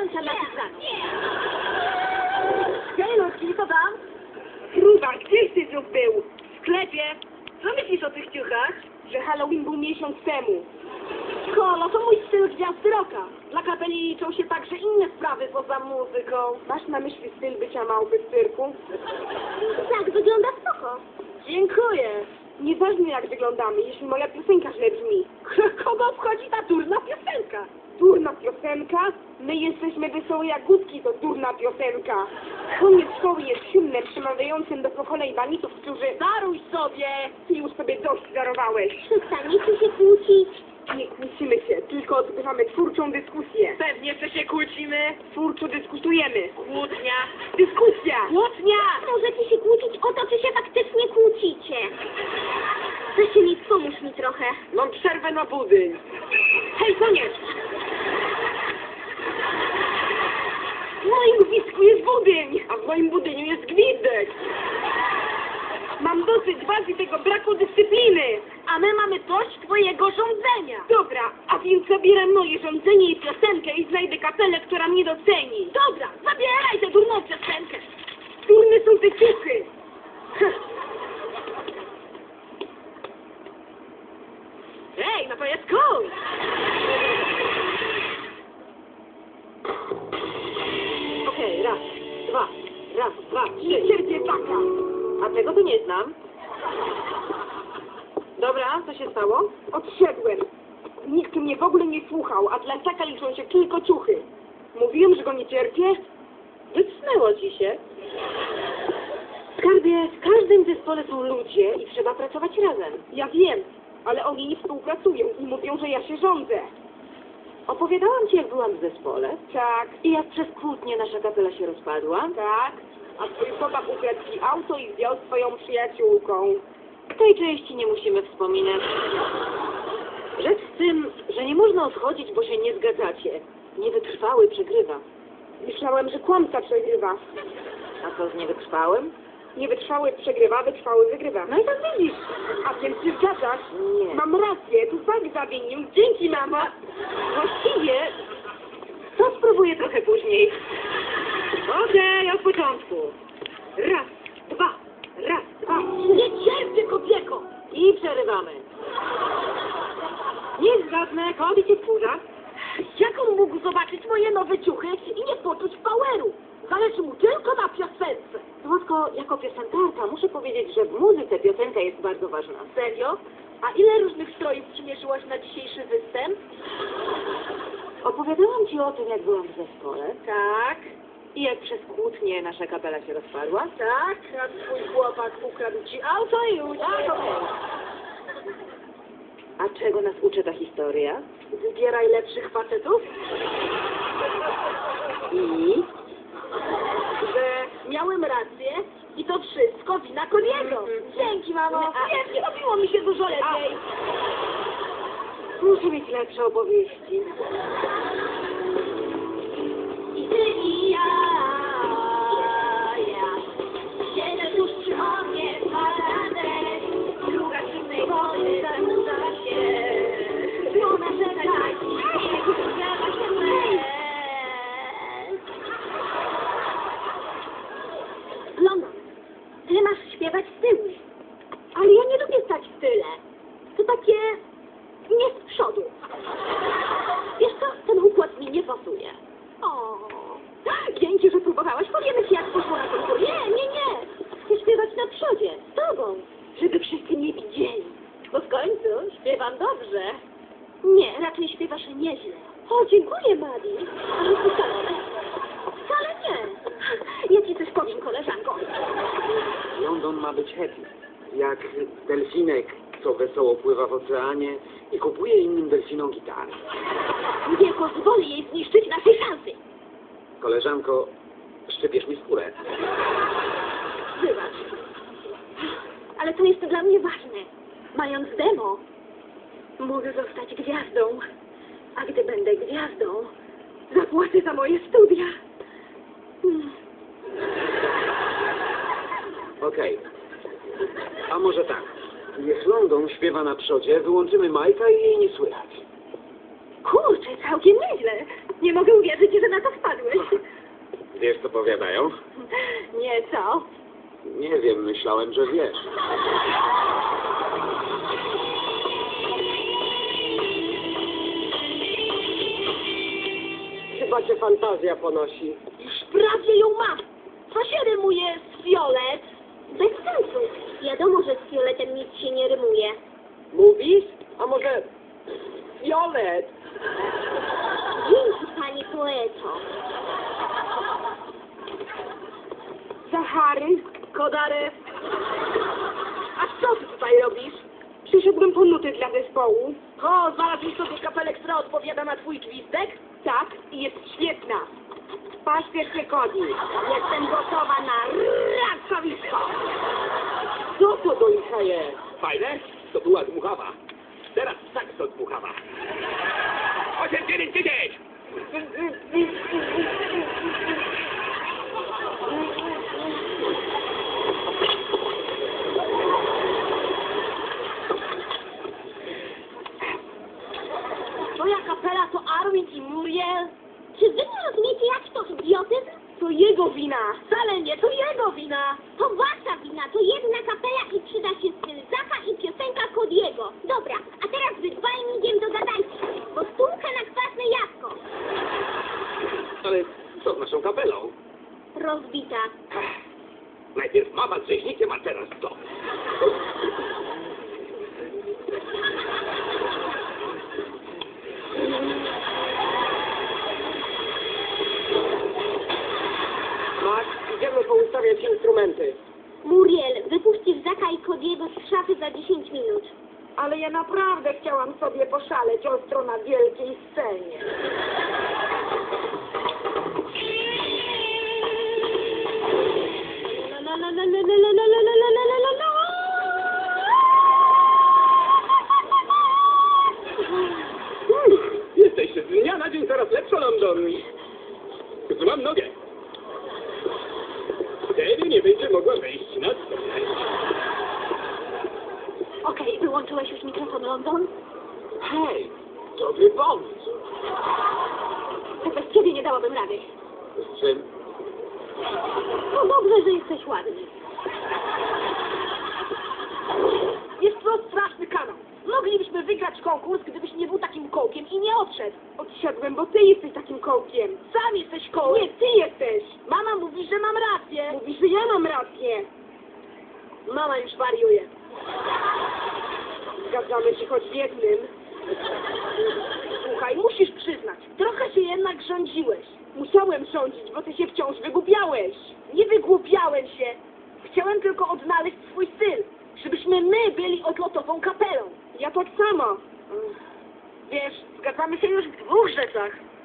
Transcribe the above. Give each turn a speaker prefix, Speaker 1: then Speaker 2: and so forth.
Speaker 1: Piątka dla Tyzanów.
Speaker 2: Hej, Ludzki, co tam? Fruwa, gdzieś ty znów był? W sklepie. Co myślisz o tych ciuchach? Że Halloween był miesiąc temu. Kolo, to mój styl gwiazdy rocka. Dla kapeli liczą się także inne sprawy poza muzyką. Masz na myśli styl bycia małpy w cyrku?
Speaker 1: Tak, wygląda spoko.
Speaker 2: Dziękuję. Nieważne jak wyglądamy, jeśli moja piosenka źle brzmi. Kogo obchodzi ta durna piosenka? Durna piosenka? My jesteśmy wesołe jagódki, to durna piosenka. Koniec szkoły jest hymnem przemawiającym do pokoleń banitów, którzy... Daruj sobie! Ty już sobie dość darowałeś.
Speaker 1: Przestaniecie się kłócić.
Speaker 2: Nie kłócimy się, tylko odbywamy twórczą dyskusję. Pewnie, że się kłócimy. Twórczo dyskutujemy. Kłótnia. Dyskusja. Kłótnia!
Speaker 1: Możecie się kłócić o to, czy się faktycznie kłócicie. Zasielit, pomóż mi trochę.
Speaker 2: Mam przerwę na budyń. Hej, koniec! W moim gwizdku jest budyń, a w moim budyniu jest gwizdek. Mam dosyć was i tego braku dyscypliny. A my mamy dość twojego rządzenia. Dobra, a więc zabieram moje rządzenie i piosenkę i znajdę kapelę, która mnie doceni. Dobra, zabieraj tę durną piosenkę. Durne są te ciuchy. Ej, no to jest cool. Okej, raz, dwa, trzy. Cierpię taka. A tego to nie znam. Dobra, co się stało? Odszedłem. Nikt mnie w ogóle nie słuchał, a dla taka liczą się tylko ciuchy. Mówiłem, że go nie cierpię. Wycnęło ci się. Skarbie, w każdym zespole są ludzie i trzeba pracować razem. Ja wiem, ale oni nie współpracują i mówią, że ja się rządzę. Opowiadałam ci, jak byłam w zespole. Tak. I jak przez kłótnię nasza kapela się rozpadła. Tak. A twój chłopak ukradł ci auto i zdjął swoją przyjaciółką. Tej części nie musimy wspominać. Rzecz w tym, że nie można odchodzić, bo się nie zgadzacie. Niewytrwały przegrywa. Myślałem, że kłamca przegrywa. A co z niewytrwałym? Niewytrwały przegrywa, wytrwały wygrywa. No i tak widzisz. A więc się zgadzasz? Nie. Mam rację, tu fakt zawinił. Dzięki, mama. Właściwie to spróbuję trochę później. Okej, od początku. Raz, dwa. Nie cierpię, kobieto! I przerywamy. Nie zgadnę, kobiet cię wkurza. Jak on mógł zobaczyć moje nowe ciuchy i nie poczuć poweru? Zależy mu tylko na piosence. Słodko, jako piosenkarka muszę powiedzieć, że w muzyce piosenka jest bardzo ważna. Serio? A ile różnych strojów przymierzyłaś na dzisiejszy występ? Opowiadałam ci o tym, jak byłam w zespole. Tak. I jak przez kłótnię nasza kapela się rozpadła? Tak, a twój chłopak ukradł ci auto i uciekł. A czego nas uczy ta historia? Wybieraj lepszych facetów. I? Że miałem rację i to wszystko wina Koniego. Dzięki, mamo. Nie robiło mi się dużo lepiej. Muszę mieć lepsze opowieści.
Speaker 1: I ty i ja. Siedzę tuż przy oknie, paradę. Druga zimnej wody zanurza się. Ona czeka i śniegu zjada się łez. London, ty masz śpiewać z tyłu. Ale ja nie lubię stać w tyle. To takie... nie z przodu. Wiesz co, ten układ mi nie pasuje. O, dzięki, że próbowałaś. Powiemy ci, jak poszło na konkurs. Nie. Chcę śpiewać na przodzie, z tobą, żeby wszyscy mnie widzieli. Bo w końcu śpiewam dobrze. Nie, raczej śpiewasz nieźle. O, dziękuję, Madi. Ale wcale. Wcale nie. Ja ci coś powiem, koleżanko.
Speaker 3: London ma być happy. Jak delfinek, co wesoło pływa w oceanie i kupuje innym delfinom gitary.
Speaker 1: Nie pozwolę jej zniszczyć naszej szansy.
Speaker 3: Koleżanko, szczypiesz mi skórę.
Speaker 1: Wybacz. Ale to jest dla mnie ważne. Mając demo, mogę zostać gwiazdą. A gdy będę gwiazdą, zapłacę za moje studia.
Speaker 3: Okej. A może tak. Niech London śpiewa na przodzie, wyłączymy Majka i jej nie słychać.
Speaker 1: Kurczę, całkiem nieźle. Nie mogę uwierzyć, że na to wpadłeś.
Speaker 3: Wiesz, co powiadają?
Speaker 1: Nie, co?
Speaker 3: Nie wiem, myślałem, że wiesz.
Speaker 2: Chyba cię fantazja ponosi.
Speaker 1: Już prawie ją mam. Co się rymuje z fiolet? Bez sensu. Wiadomo, że z fioletem nic się nie rymuje.
Speaker 2: Mówisz? A może... Fiolet?
Speaker 1: Dzięki, pani poeto.
Speaker 2: Zachary, Kodarew. A co ty tutaj robisz? Przyszedłem po nuty dla zespołu. O, znalazłeś sobie kapelę, która odpowiada na twój gwizdek? Tak, i jest świetna. Paśpiesz się, Kodi.
Speaker 1: Jestem gotowa na racowisko.
Speaker 2: Co to do licha jest?
Speaker 4: Fajne? To była dmuchawa. Teraz sakso dmuchawa. 8, 9, 10!
Speaker 1: Twoja kapela to Armin i Muriel? Czy wy nie rozumiecie, jak to idiotyzm?
Speaker 2: To jego wina.
Speaker 1: Wcale nie, to jego wina. To wasza wina, to jedna kapela i przyda się styl Zacha i piosenka Kodiego. Dobra, a teraz wy dwaj migiem dogadajcie, bo stówka na kwaśne jabłko.
Speaker 4: Ale co z naszą kapelą?
Speaker 1: Rozbita.
Speaker 4: Najpierw mama z rzeźnikiem, a teraz to.
Speaker 2: Max, idziemy poustawiać instrumenty.
Speaker 1: Muriel, wypuścisz Zacha i Kodiego z szafy za 10 minut.
Speaker 2: Ale ja naprawdę chciałam sobie poszaleć ostro na wielkiej scenie.
Speaker 1: La, la, la, la, la, la, la, la, la, la, la, la, la.
Speaker 4: Jesteś z dnia na dzień coraz lepsza, London. Złam nogę. Wtedy nie będzie mogła wejść na scenę.
Speaker 1: Okej, wyłączyłeś już mikrofon, London?
Speaker 3: Hej, dobry pomysł.
Speaker 1: To bez ciebie nie dałabym rady.
Speaker 3: Z czym?
Speaker 1: No dobrze, że jesteś ładny.
Speaker 2: Jest to straszny kanał. Moglibyśmy wygrać konkurs, gdybyś nie był takim kołkiem i nie odszedł. Odsiadłem, bo ty jesteś takim kołkiem. Sam jesteś kołem. Nie, ty jesteś. Mama mówi, że mam rację. Mówi, że ja mam rację. Mama już wariuje. Zgadzamy się choć w jednym. Słuchaj, musisz przyznać, trochę się jednak rządziłeś. Musiałem rządzić, bo ty się wciąż wygłupiałeś. Nie wygłupiałem się. Chciałem tylko odnaleźć swój styl. Żebyśmy my byli odlotową kapelą. Ja tak samo. Wiesz, zgadzamy się już w 2 rzeczach.